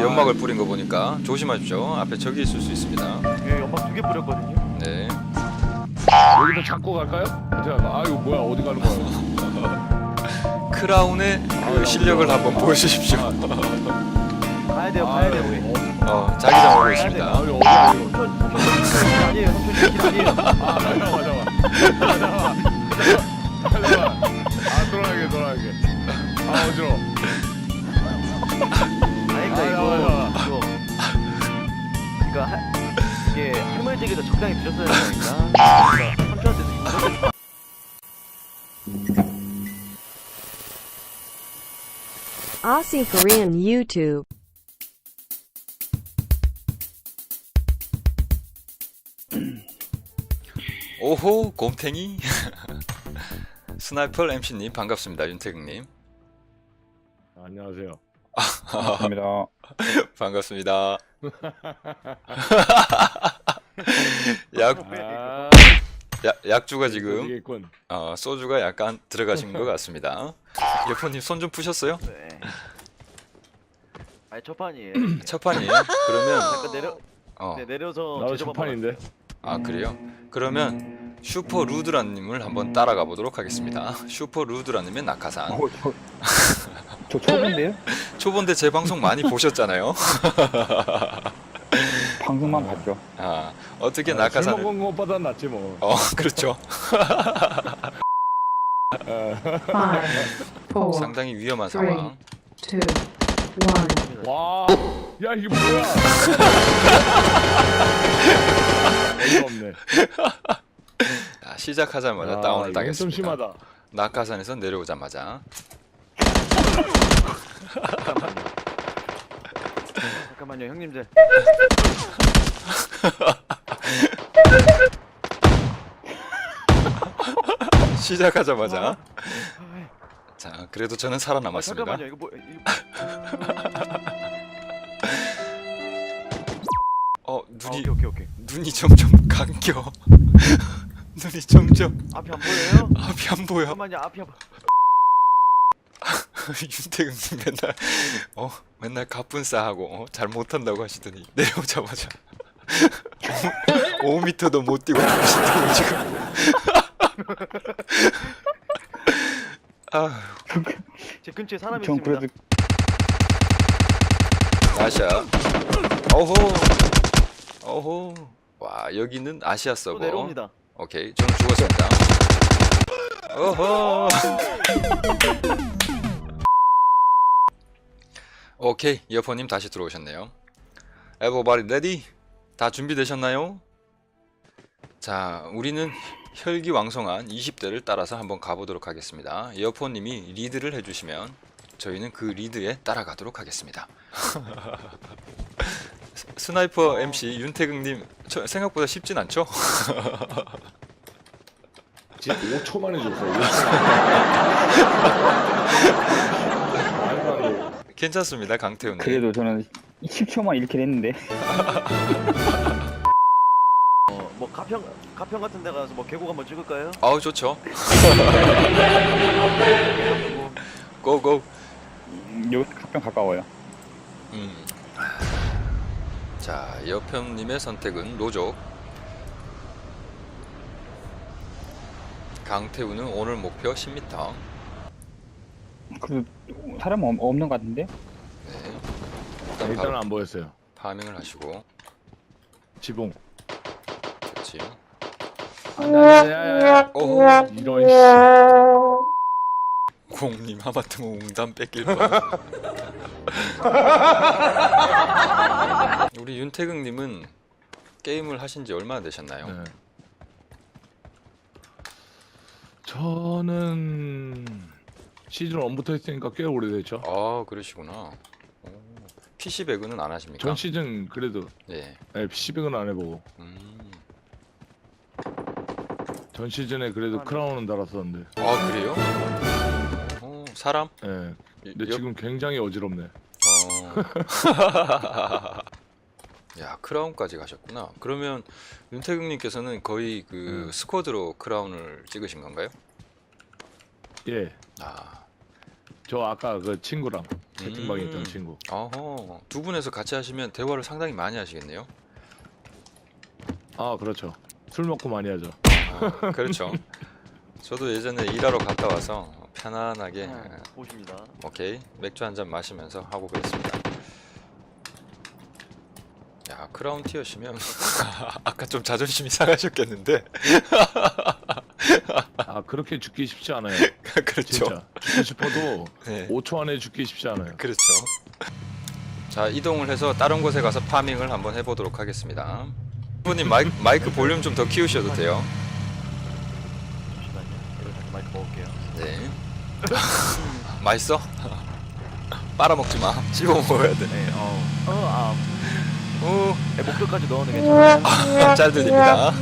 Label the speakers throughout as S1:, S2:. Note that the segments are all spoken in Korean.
S1: 연막을 뿌린 거 보니까 조심하십시오. 앞에 적이 있을 수 있습니다.
S2: 예, 연막 2개 뿌렸거든요.
S1: 네.
S3: 여기서 잡고 갈까요? 제가 이거 뭐야 어디 가는 거야?
S1: 크라운의 그 실력을 한번 보여주십시오.
S2: 가야 돼요, 가야 돼요, 우리.
S1: 자기장 오고
S2: 가야
S1: 있습니다.
S3: 아 여기 어디야 이거?
S2: 삼촌 아니에요, 삼촌 길 아니에요.
S3: 잠깐만. 돌아가게. 어지러워.
S2: 아니까 이거 이게 할머니댁에서 적당히 드렸어야 되니까. 삼촌한테도 이거.
S4: Aussie Korean YouTube.
S1: 오호 곰탱이. 스나이퍼 MC님 반갑습니다. 윤태극님
S3: 안녕하세요.
S5: 반갑습니다.
S1: 반갑습니다. 약주가 지금
S3: 되겠군.
S1: 소주가 약간 들어가신 것 같습니다. 여포님 손 좀 푸셨어요?
S2: 네. 아니 첫 판이에요.
S1: 첫 판이에요? 그러면
S2: 잠깐
S1: 어.
S2: 내려서
S3: 나도
S2: 제접
S3: 첫판인데.
S1: 그래요? 그러면 슈퍼 루드라님을 한번 따라가 보도록 하겠습니다. 슈퍼 루드라님의 낙하산.
S5: 저 초보인데요?
S1: 초본데 제 방송 많이 보셨잖아요.
S5: 방송만 봤죠.
S1: 어떻게
S3: 술
S1: 낙하산을
S3: 먹은 것보다 낫지 뭐.
S1: 그렇죠.
S4: Five, four,
S1: 상당히 위험한
S4: three,
S1: 상황.
S4: two, one.
S3: 와, 야 이게 뭐야? 어이가 없네.
S1: 시작하자마자 다운을
S3: 이건 좀
S1: 당했습니다.
S3: 심하다.
S1: 낙하산에서 내려오자마자
S2: 잠깐만요, 형님들.
S1: 시작하자마자 자 그래도 저는 살아남았습니다.
S2: 잠깐만요, 이거
S1: 눈이
S2: 오케이.
S1: 눈이 점점 감겨. 눈이 점점
S2: 앞이 안 보여요?
S1: 앞이 안 보여.
S2: 잠깐만요, 앞이 안 보여.
S1: 윤태근님 맨날 가뿐싸하고 잘 못한다고 하시더니 내려오자마자 5m도 못 뛰고 계신다고 지금.
S2: 제 근처에 사람이
S5: 전
S2: 있습니다.
S5: 그래도
S1: 아시아. 어호. 와 여기는 아시아
S2: 또
S1: 서버.
S2: 내려옵니다.
S1: 오케이 저는 죽었습니다. 어허. 오케이 이어폰님 다시 들어오셨네요. Everybody ready? 다 준비되셨나요? 자 우리는 혈기왕성한 20대를 따라서 한번 가보도록 하겠습니다. 이어폰님이 리드를 해주시면 저희는 그 리드에 따라가도록 하겠습니다. 스나이퍼 MC 윤태극님 생각보다 쉽진 않죠?
S3: 진짜 5초 만에 줬어.
S1: 괜찮습니다 강태훈님.
S5: 그래도 저는 10초만 이렇게 했는데.
S2: 뭐 가평 같은 데 가서 뭐 계곡 한번 찍을까요?
S1: 좋죠. 고고.
S5: 여기 가평 가까워요.
S1: 자 여편님의 선택은 로족. 강태우는 오늘 목표 10m.
S5: 그래도 사람 없는 것 같은데?
S1: 네.
S3: 일단은
S1: 바로
S3: 안 보였어요.
S1: 파밍을 하시고.
S3: 지붕.
S1: 그렇지.
S3: 야야야야.
S1: 오.
S3: 이런 씨.
S1: 공님 하마터면 웅담 뺏길 뻔. 우리 윤태극님은 게임을 하신 지 얼마나 되셨나요?
S3: 네. 저는 시즌 1부터 했으니까 꽤 오래됐죠.
S1: 그러시구나. PC 배그는 안 하십니까?
S3: 전 시즌 그래도
S1: 네.
S3: PC백은 안 해보고 전 시즌에 그래도 크라운은 달았었는데.
S1: 그래요? 사람?
S3: 예. 근데 지금 굉장히 어지럽네.
S1: 야 크라운까지 가셨구나. 그러면 윤태극님께서는 거의 그 스쿼드로 크라운을 찍으신 건가요?
S3: 예. 저 아까 그 친구랑 채팅방에 있던 친구.
S1: 어허, 두 분에서 같이 하시면 대화를 상당히 많이 하시겠네요.
S3: 아 그렇죠. 술 먹고 많이 하죠.
S1: 그렇죠. 저도 예전에 일하러 갔다 와서 편안하게
S2: 보십니다.
S1: 오케이 맥주 한 잔 마시면서 하고 그랬습니다. 야 크라운 티어시면 아까 좀 자존심이 상하셨겠는데.
S3: 아 그렇게 죽기 쉽지 않아요.
S1: 그렇죠.
S3: 진짜 죽고 싶어도
S1: 네.
S3: 5초 안에 죽기 쉽지 않아요.
S1: 그렇죠. 자 이동을 해서 다른 곳에 가서 파밍을 한번 해보도록 하겠습니다. 부님 마이크 볼륨 좀 더 키우셔도 돼요.
S2: 잠시만요. 이거 다시 마이크 먹을게요.
S1: 네. 맛있어? 빨아먹지 마. 씹어 먹어야 돼.
S2: 네.
S1: 오,
S2: 네, 목표까지 넣어는 괜찮아요.
S1: 잘 들립니다.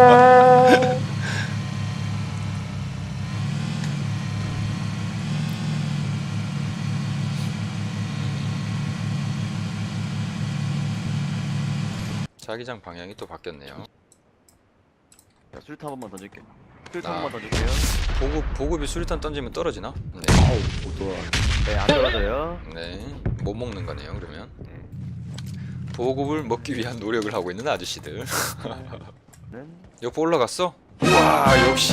S1: 자기장 방향이 또 바뀌었네요.
S2: 자, 수류탄 한 번만 던질게요. 수류탄
S1: 아.
S2: 한 번만 던질게요.
S1: 보급이 수류탄 던지면 떨어지나? 네.
S3: 아우 못 돌아.
S2: 네, 안 떨어져요.
S1: 네. 못 먹는 거네요, 그러면. 보급을 먹기 위한 노력을 하고 있는 아저씨들.
S2: 네.
S1: 옆에 올라갔어? 와, 역시.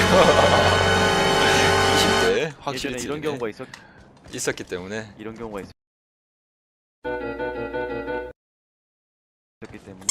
S1: 20대 확실히
S2: 예전에 이런
S1: 틀리네.
S2: 경우가
S1: 있었기 때문에.
S2: 이런 경우가 있었기 때문에.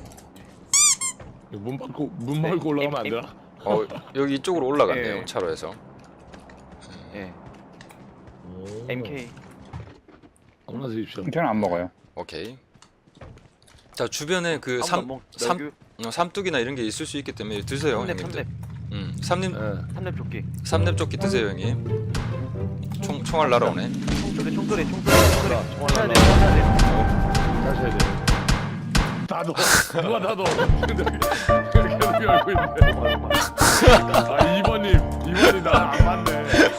S3: 문 밟고 올라가면 안 되나?
S1: 여기 이쪽으로 올라갔네요,
S2: 네.
S1: 차로에서.
S2: 예.
S3: 오.
S2: MK.
S3: 아무나 드십시오.
S5: 저는 안 먹어요.
S1: 오케이. 자, 주변에 그 삼뚝이나 이런 게 있을 수 있기 때문에 드세요, 형님들. 삼립
S3: 예.
S2: 삼렙 조끼.
S1: 삼렙조끼 드세요, 형님. 총알 날아오네.
S2: 총소리.
S3: 총알
S2: 해야 돼.
S3: 다시 해야 돼. 다도 누가 다도 계속 열고 있는데. 아 2번이 나랑 안 맞네.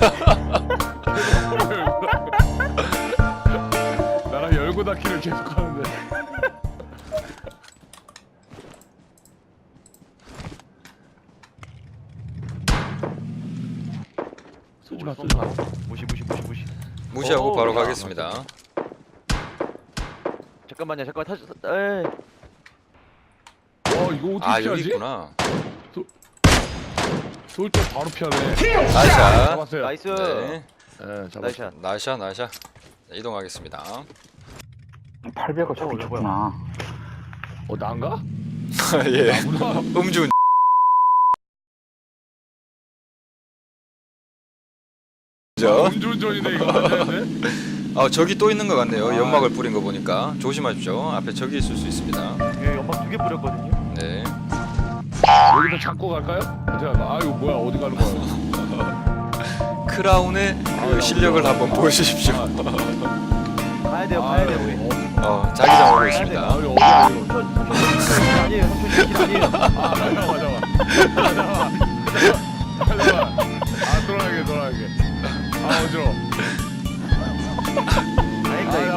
S3: 나랑 열고 닫기를 계속 하는데. 쏘지 마.
S2: 무시.
S1: 무시하고
S2: 오,
S1: 바로
S2: 맞아,
S1: 가겠습니다.
S2: 잠깐만요. 다시. 에이.
S3: 이거 어떻게
S1: 아,
S3: 피하지?
S1: 여기 있구나.
S3: 쏠 때 바로 피하네.
S1: 나이샷.
S3: 잡았어요.
S2: 나이스.
S1: 네.
S3: 네, 잡았어요.
S2: 나이샷.
S1: 나이샷. 이동하겠습니다.
S5: 800원 저기
S2: 이거
S5: 좋구나.
S3: 난가?
S1: 예.
S3: 나구나.
S1: 음주
S3: 음주운전이네 이거 맞아야 돼?
S1: 저기 또 있는 것 같네요.
S3: 아.
S1: 연막을 뿌린 거 보니까 조심하십시오. 앞에 적이 있을 수 있습니다.
S2: 예, 연막 2개 뿌렸거든요.
S1: 네.
S3: 여기서 잡고 갈까요? 제가 이거 뭐야 어디 가는 거야?
S1: 크라운의 그 실력을 한번 보여주십시오.
S2: 가야 돼요. 우리.
S1: 자기장 오고
S2: 가야
S1: 있습니다.
S3: 이거 어디야 이거?
S2: 아니에요. 삼촌 아니에요.
S3: 잠깐만. 돌아가게. 어지러워.
S2: 다행이다 이거.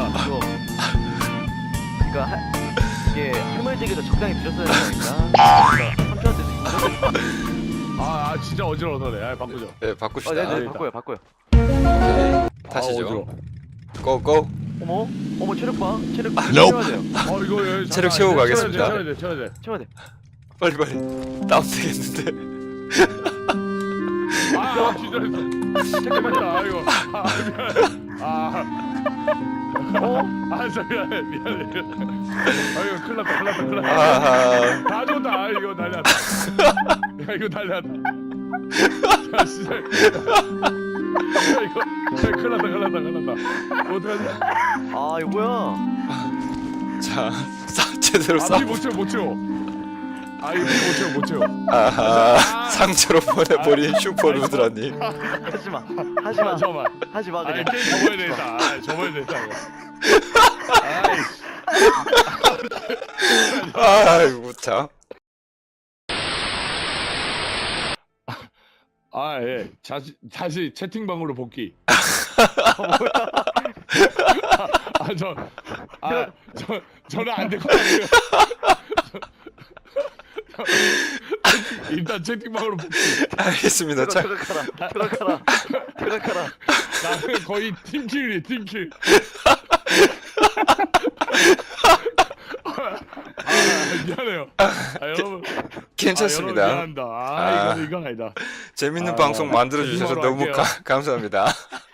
S2: 그러니까 이게 해물찌개도 적당히 드셨어야 되니까. 삼촌한테도 이거.
S3: 진짜 어지러워 너네. 바꾸죠.
S1: 네, 바꿉시다.
S2: 네네 바꿔요.
S1: 오케이. 타시죠.
S3: 어지러워.
S1: 고고.
S2: 어머 체력 봐. 체력 채워야 돼요.
S3: 이거
S1: 체력 채우고 가겠습니다.
S3: 채워야 돼.
S1: 빨리 다운되겠는데.
S3: 기절했어. 잠깐만요. 이거. 미안해. 이거 큰일 났다.
S1: 아하.
S3: 다 줬다. 이거 난리 났다. 이거 난리 났다. 진짜. 이거 큰일 났다. 어떡하지?
S2: 이거 뭐야?
S1: 자, 제대로 싸.
S3: 못 채워. 이거 못 채워.
S1: 아하. 상처로 보내버린 슈퍼루드라님.
S2: 하지마.
S3: 잠깐만.
S2: 하지마 그냥.
S3: 게임 접어야 되겠다. 접어야 되겠다.
S1: 아이고 참.
S3: 예. 다시 채팅방으로 복귀. 저는 안 될 것 같아요. 일단 채팅방으로 복귀.
S1: 알겠습니다. 자,
S2: 들어가라.
S3: 나는 거의 팀킬이 팀킬. 미안해요. 여러분.
S1: 괜찮습니다.
S3: 여러분 미안합니다.
S1: 아.
S3: 이건 아니다.
S1: 재밌는
S3: 아,
S1: 방송 만들어 주셔서
S3: 거짓말로
S1: 너무
S3: 할게요.
S1: 감사합니다.